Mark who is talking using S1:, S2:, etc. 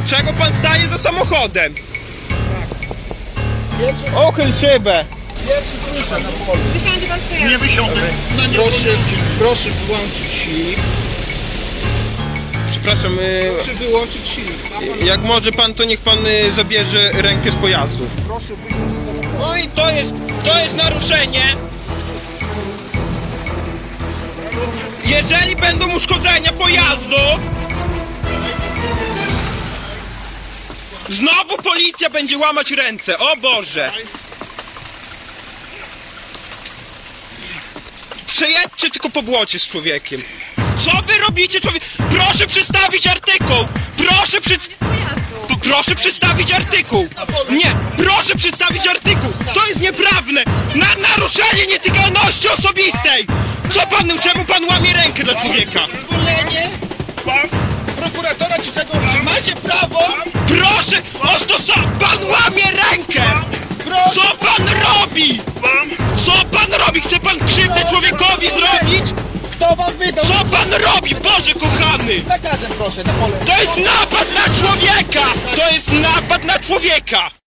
S1: Czego pan staje za samochodem?
S2: Pierwszy,
S1: Ochyl szybę!
S2: pierwszy słyszę na polu.
S3: Wysiądzie pan z pojazdu.
S4: Nie wysiądę.
S2: Proszę wyłączyć silnik.
S1: Przepraszam,
S2: Proszę wyłączyć silnik. Ma pan...
S1: jak może pan, to niech pan zabierze rękę z pojazdu.
S2: Proszę wysiąść z samochodu.
S1: No i to jest naruszenie. Jeżeli będą uszkodzenia pojazdu, znowu policja będzie łamać ręce, o Boże! Przejedźcie tylko po błocie z człowiekiem. Co wy robicie, człowiek? Proszę przedstawić artykuł! Proszę przedstawić artykuł! Nie, proszę przedstawić artykuł! To jest nieprawne! Na naruszenie nietykalności osobistej! Co pan, czemu pan łamie rękę dla człowieka?
S2: Zwolnienie. Prokuratora ci tego macie prawo.
S1: Proszę, pan łamie rękę!
S2: Proszę.
S1: Co pan robi? Co pan robi? Chce pan krzywdę człowiekowi zrobić?
S2: Kto wam wydał?
S1: Co pan robi, Boże kochany?
S2: Zakazem proszę, na pole.
S1: To jest napad na człowieka! To jest napad na człowieka!